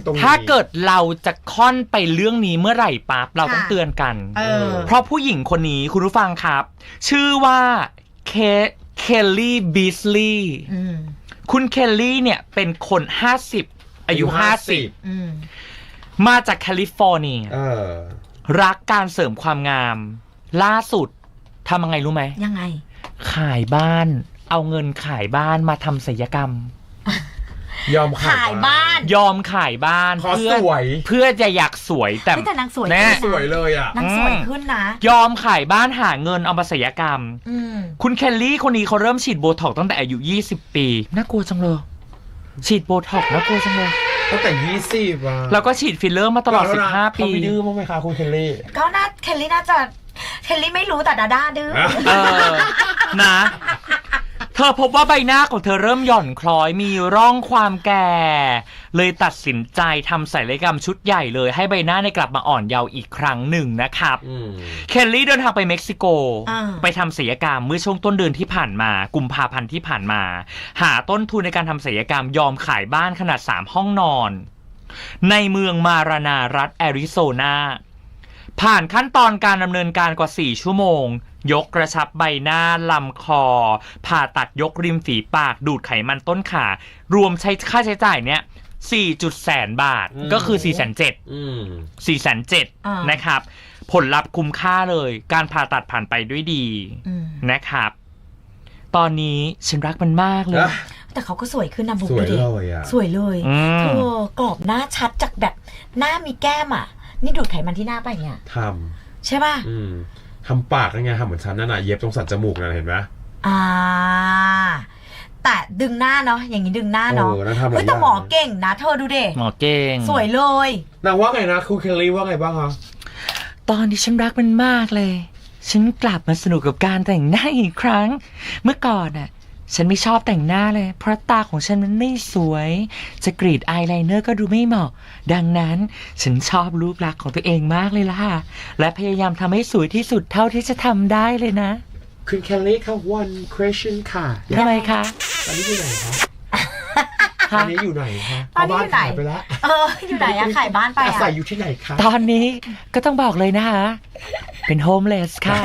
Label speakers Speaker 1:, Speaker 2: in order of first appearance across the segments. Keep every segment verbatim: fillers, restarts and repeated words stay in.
Speaker 1: ตรงนี้
Speaker 2: ถ้าเกิดเราจะค่อนไปเรื่องนี้เมื่อไหร่ปั๊บเราต้องเตือนกัน
Speaker 3: เออ
Speaker 2: เพราะผู้หญิงคนนี้คุณผู้ฟังครับ ชื่อว่าเคเคลลี่บีสลีย์คุณเคลลี่เนี่ยเป็นคนห้าสิบอายุห้าสิบมาจากแคลิฟอร์เนียรักการเสริมความงามล่าสุดทำยังไงรู้ไหม
Speaker 3: ยังไง
Speaker 2: ขายบ้านเอาเงินขายบ้านมาทำศัลยกรรม
Speaker 1: ยอมขายบ้าน
Speaker 2: ยอมขายบ้าน
Speaker 1: เพื่อสวย
Speaker 2: เพื่อจะอยากสวยแต่
Speaker 3: แต่นางสวย
Speaker 1: แน่สวยเลยอ่ะ
Speaker 3: นางสวยขึ้นนะ
Speaker 2: ยอมขายบ้านหาเงินเอามาศัลยกรรมคุณเคลลี่คนนี้เขาเริ่มฉีดโบท็อกซ์ตั้งแต่อายุยี่สิบปีน่ากลัวจังเลยฉีดโบท็อกซ์น่ากลัวจังเลย
Speaker 1: ตั้งแต่ยี่สิบอ่ะ
Speaker 2: แล้วก็ฉีดฟิลเลอร์มาตลอดสิบห้าปี
Speaker 1: เขาไม่ดื้อมั้งไหมคะคุณเคลลี่
Speaker 3: ก็น่าเคลลี่น่าจะเคลลี่ไม่รู้แต่ดาด้าดื้อ
Speaker 2: เออนะเธอพบว่าใบหน้าของเธอเริ่มหย่อนคล้อยมีร่องความแก่เลยตัดสินใจทำศัลยกรรมชุดใหญ่เลยให้ใบหน้าในกลับมาอ่อนเยาว์อีกครั้งหนึ่งนะครับเคลลี่เดินทางไปเม็กซิโกไปทำศัลยกรรมเมื่อช่วงต้นเดือนที่ผ่านมากุมภาพันธ์ที่ผ่านมาหาต้นทุนในการทำศัลยกรรมยอมขายบ้านขนาดสามห้องนอนในเมืองมารานารัฐแอริโซนาผ่านขั้นตอนการดำเนินการกว่าสี่ชั่วโมงยกกระชับใบหน้าลำคอผ่าตัดยกริมฝีปากดูดไขมันต้นขารวมใช้ค่าใช้จ่ายเนี้ยสี่จุดแสนบาทก็คือสี่แสนเจ็ดสี่แสนเจ็ดนะครับผลลัพธ์คุ้มค่าเลยการผ่าตัดผ่านไปด้วยดีนะครับตอนนี้ฉันรักมันมากเลย
Speaker 3: แต่เขาก็สวยขึ้นนะบุ๊กดูดิสวยเลยเธอกรอบหน้าชัดจากแบบหน้ามีแก้มอ่ะนี่ดูดไขมันที่หน้าไปเนี่ย
Speaker 1: ทำ
Speaker 3: ใช่ป่ะ
Speaker 1: ทำปากยังไงทำเหมือนฉันนั่นน่ะเย็บตรงสันจมูกนั่นเห็นไหม
Speaker 3: อ่าแต่ดึงหน้าเนาะอย่างนี้ดึงหน้าเนาะเฮ้ยแต่หมอเก่งนะเธอดูดิ
Speaker 2: หมอเก่ง
Speaker 3: สวยเลย
Speaker 1: นางว่าไงนะคุณเคลลี่ว่าไงบ้างคะ
Speaker 2: ตอนที่ฉันรักมันมากเลยฉันกลับมาสนุกกับการแต่งหน้าอีกครั้งเมื่อก่อนน่ะฉันไม่ชอบแต่งหน้าเลยเพราะตาของฉันมันไม่สวยจะกรีดอายไลเนอร์ก็ดูไม่เหมาะดังนั้นฉันชอบรูปลักษณ์ของตัวเองมากเลยล่ะและพยายามทำให้สวยที่สุดเท่าที่จะทำได้เลยนะ
Speaker 1: คุณเคลลี่ค่ะ one question ค่ะ
Speaker 2: ทำไมคะ
Speaker 1: ตอนนี้อยู่ไหนคะตอนนี้อยู่ไหนคะ
Speaker 3: ตอนนี้อยู่ไหนไปแล้วเอออยู่ไหนอะขายบ้านไปอะ
Speaker 1: อาศัยอยู่ที่ไหนคะ
Speaker 2: ตอนนี้ก็ต้องบอกเลยนะคะเป็นโฮมเลสค่ะ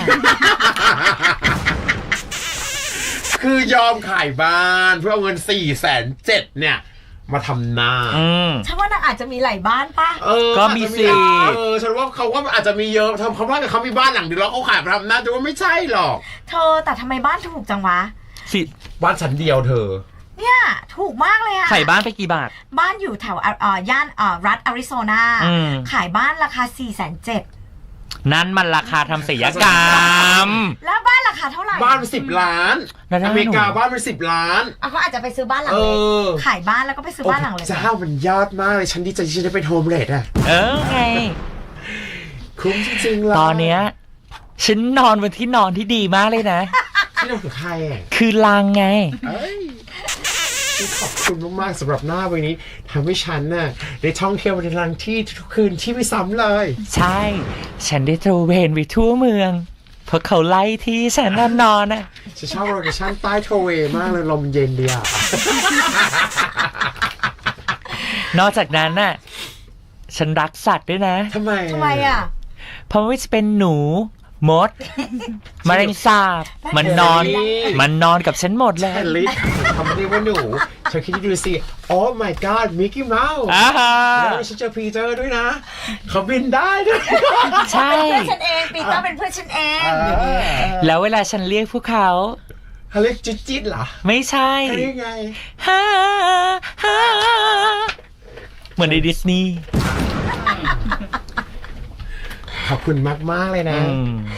Speaker 1: คือยอมขายบ้านเพื่อเอาเงินสี่แสนเจ็ดเนี่ยมาทำหน้า
Speaker 3: ฉันว่านางอาจจะมีหลายบ้านป่ะ
Speaker 2: ก็มีสิ
Speaker 1: เออฉันว่าเขาก็อาจจะมีเยอะทำเขาว่าแต่เขามีบ้านหลังเดียวแล้วเขาขายมาทำหน้าแต่ว่าไม่ใช่หรอก
Speaker 3: เธอแต่ทำไมบ้านถูกจังวะ
Speaker 2: สิ
Speaker 1: บ้านชั้นเดียวเธอ
Speaker 3: เนี่ยถูกมากเลยอะ
Speaker 2: ขายบ้านไปกี่บาท
Speaker 3: บ้านอยู่แถวอ่าย่านอ่ารัฐแอริโซนาขายบ้านราคาสี่แสนเจ็ด
Speaker 2: นั่นมันราคาทำศัลยกรรม
Speaker 3: แล้วบ้านราคาเท่าไหร่
Speaker 1: บ้านเป็นสิบล้านอเมริกาบ้านเป็นสิบล้าน
Speaker 3: อ่ะเขาอาจจะไปซื้อบ้านหลังเล็กขายบ้านแล้วก็ไปซื้อบ้านหลังเล็ก
Speaker 1: เจ้ามันยอดมากเลยฉันดีใจที่ฉันได้เป็นโฮมเลดอ่ะ
Speaker 2: เออไง
Speaker 1: คุ้มจริงๆเลย
Speaker 2: ตอนเนี้ยฉันนอนบนที่นอนที่ดีมากเลยนะ
Speaker 1: ที่นอนกับใครอ่ะ
Speaker 2: คือลังไง
Speaker 1: ขอบคุณมากๆสำหรับหน้าวันนี้ทำให้ฉันน่ะได้ท่องเที่ยวในทางที่ทุกคืนที่ไม่ซ้ำเลย
Speaker 2: ใช่ฉันได้ตระเวนไปทั่วเมืองเพราะเขาไล่ที่ฉันนอนนอนน่ะ
Speaker 1: ฉันชอบโลเคชั่นใต้ทะเลมากเลยลมเย็นดีอ่ะ
Speaker 2: นอกจากนั้นน่ะฉันรักสัตว์ด้วยนะ
Speaker 1: ทำไม
Speaker 3: ทำไมอ่ะ
Speaker 2: เพราะว่าจะเป็นหนูมดแมลงสาบมันนอนมันนอนกับฉันหมดเลย
Speaker 1: ลิศทำไมเรียกว่าหนูเธอคิดดูสิโอ้ my god มิกกี้เมาส์แล้วฉันเจอปีเตอร์ด้วยนะเขาบินได้ด้วย
Speaker 2: ใช่
Speaker 3: เพื่อนฉันเองปีเตอร์เป็นเพื่อนฉันเอง
Speaker 2: แล้วเวลาฉันเรียกพวกเขา
Speaker 1: เขาเรียกจิ๊ดจิ๊ดเหรอ
Speaker 2: ไม่ใช่
Speaker 1: เขาเรียกไง
Speaker 2: ฮ่าฮ่าเหมือนในดิสนีย์
Speaker 1: ขอบคุณมากๆเลยนะ